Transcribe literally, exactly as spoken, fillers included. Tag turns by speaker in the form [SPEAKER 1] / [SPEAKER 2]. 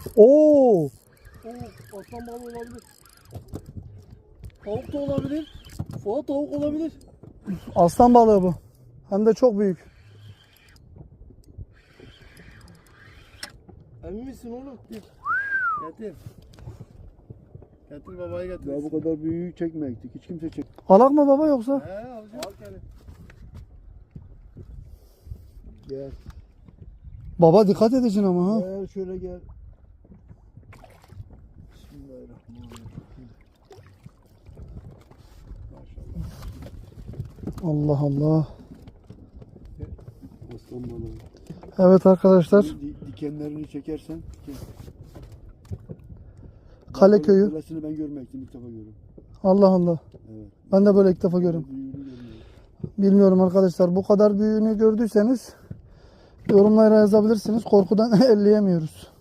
[SPEAKER 1] Oo!
[SPEAKER 2] Oo, aslan balığı olabilir. Tavuk da olabilir. Fuat tavuk olabilir.
[SPEAKER 1] Aslan balığı bu. Hem de çok büyük.
[SPEAKER 2] Emin misin oğlum? Getir. Getir. Getir babayı getir.
[SPEAKER 3] Ya bu kadar büyüğü çekmeyecektik. Hiç kimse çek.
[SPEAKER 1] Alak mı baba yoksa?
[SPEAKER 2] He alacağım. Al gel.
[SPEAKER 3] Gel.
[SPEAKER 1] Baba dikkat edeceksin ama ha.
[SPEAKER 3] Gel şöyle gel. Bismillahirrahmanirrahim. Maşallah.
[SPEAKER 1] Allah Allah.
[SPEAKER 3] Aslan balığı.
[SPEAKER 1] Evet arkadaşlar.
[SPEAKER 3] Di- Dikenlerini çekersen. Diken.
[SPEAKER 1] Kale köyü.
[SPEAKER 3] Böylesini ben görmektim ilk defa görüyorum.
[SPEAKER 1] Allah Allah.
[SPEAKER 3] Evet.
[SPEAKER 1] Ben de böyle ilk defa görüyorum.
[SPEAKER 3] Büyüğünü görmüyorum.
[SPEAKER 1] Bilmiyorum arkadaşlar. Bu kadar büyüğünü gördüyseniz yorumlara yazabilirsiniz. Korkudan elleyemiyoruz.